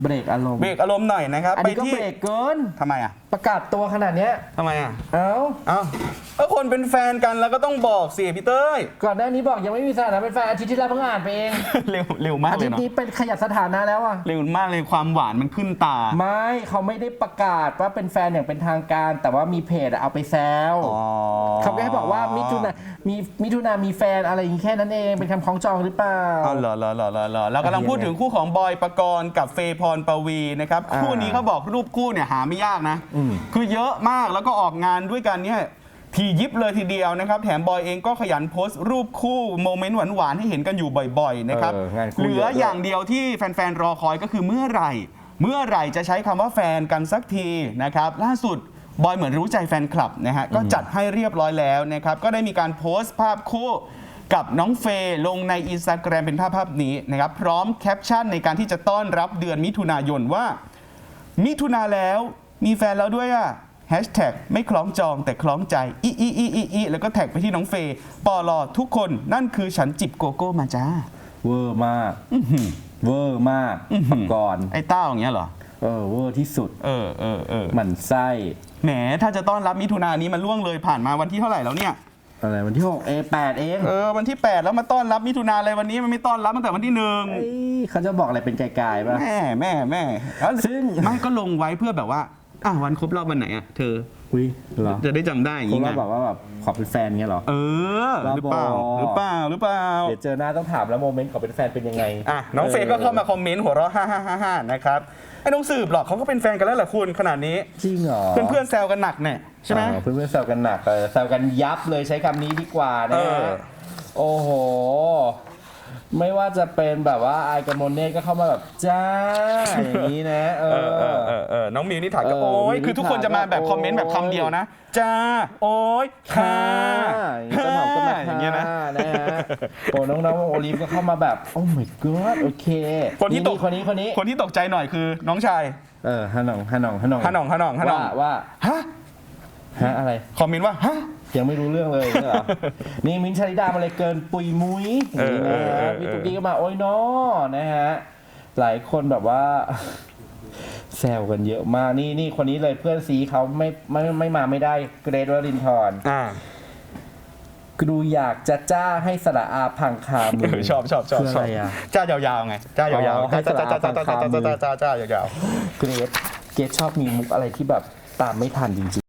เบรกอารมณ์หน่อยนะครับอันนี้ก็เบรกเกินทำไมอ่ะประกาศตัวขนาดเนี้ยทำไมอ่ะเอ้าก็คนเป็นแฟนกันแล้วก็ต้องบอกสิพี่เต้ยก่อนหน้านี้บอกยังไม่มีสถานะเป็นแฟนอาทิตย์ที่แล้วเพิ่งอ่านไปเองเร็วมากเลยเนาะอาทิตย์นี้เป็นขยับสถานะแล้วอ่ะเร็วมากเลยความหวานมันขึ้นตาไม่เขาไม่ได้ประกาศว่าเป็นแฟนอย่างเป็นทางการแต่ว่ามีเพจเอาไปแซวเขาแค่บอกว่ามิถุนามีแฟนอะไรอย่างนี้แค่นั้นเองเป็นคำคล้องจองหรือเปล่าเหรอเรากำลังพูดถึงคู่ของบอยปกรณ์กับเฟย์พรปวีนะครับคู่นี้เขาบอกรูปคู่เนี่ยหาไม่ยากนะคือเยอะมากแล้วก็ออกงานด้วยกันเนี่ยทียิบเลยทีเดียวนะครับแถมบอยเองก็ขยันโพสต์รูปคู่โมเมนต์หวานๆให้เห็นกันอยู่บ่อยๆนะครับเหลืออย่างเดียวที่แฟนๆรอคอยก็คือเมื่อไหร่จะใช้คำว่าแฟนกันสักทีนะครับล่าสุดบอยเหมือนรู้ใจแฟนคลับนะฮะก็จัดให้เรียบร้อยแล้วนะครับก็ได้มีการโพสต์ภาพคู่กับน้องเฟย์ลงใน Instagram เป็นภาพนี้นะครับพร้อมแคปชั่นในการที่จะต้อนรับเดือนมิถุนายนว่ามิถุนาแล้วมีแฟนแล้วด้วยอ่ะแฮชแท็กไม่คล้องจองแต่คล้องใจอีแล้วก็แท็กไปที่น้องเฟย์ปลอทุกคนนั่นคือฉันจิบโกโก้มาจ้าเวอร์มากเวอร์มากปกรณ์ไอ้เต้าอย่างเงี้ยเหรอเวอร์ที่สุดหมั่นไส้แหมถ้าจะต้อนรับมิถุนายนนี้มันล่วงเลยผ่านมาวันที่เท่าไหร่แล้วเนี่ยอะไรวันที่6 8เองวันที่8แล้วมาต้อนรับมิถุนาอะไรวันนี้มันไม่ต้อนรับตั้งแต่วันที่1 เขาจะบอกอะไรเป็นไกลๆป่ะแม่ซึ่งไม่ก็ลงไว้เพื่อแบบว่าวันครบรอบวันไหนอ่ะเธอจะได้จำได้อย่างงี้ไงบอกว่าแบบขอเป็นแฟนเงี้ยหรอหรือเปล่าเดี๋ยวเจอหน้าต้องถามแล้วโมเมนต์ขอเป็นแฟนเป็นยังไงน้องเฟย์ก็เข้ามาคอมเมนต์หัวเราะฮ่านะครับไอ้น้องสืบหรอกเขาก็เป็นแฟนกันแล้วแหละคุณขนาดนี้จริงเหรอเพื่อนแซวกันหนักเนี่ยใช่ไหมเพื่อนแซวกันหนักแซวกันยับเลยใช้คำนี้ดีกว่าเนี่ยโอ้โหไม่ว่าจะเป็นแบบว่าไอกับโมเน่ก็เข้ามาแบบจ้าอย่างนี้นะน้องมิวนี่ถามก็โอ้ยคือทุกคนจะมาแบบคอมเมนต์แบบคำเดียวนะจ้าโอ้ยค่ะก็ถามก็มาอย่างเงี้ยนะโอ้น้องโอลิฟก็เข้ามาแบบโอ้ my god โอเคคนที่ตกใจหน่อยคือน้องชายฮานองว่าฮะอะไรคอมเมนต์ว่าฮะยังไม่รู้เรื่องเลยเหรอนี่มิ้นท์ชลิดามาเลยเกินปุยมุ้ยพี่ตุ๊กกี้ก็มาโอ้ยน้อนะฮะหลายคนแบบว่าแซวกันเยอะมากนี่คนนี้เลยเพื่อนซีเขาไม่มาไม่ได้เกรทวรินทร์กูดูอยากจะจ้าให้สระอาพังคามือชอบอะไรอ่ะจ้ายาวๆไงจ้ายาวๆจ้ายาวๆเกรทชอบมีมุกอะไรที่แบบตามไม่ทันจริง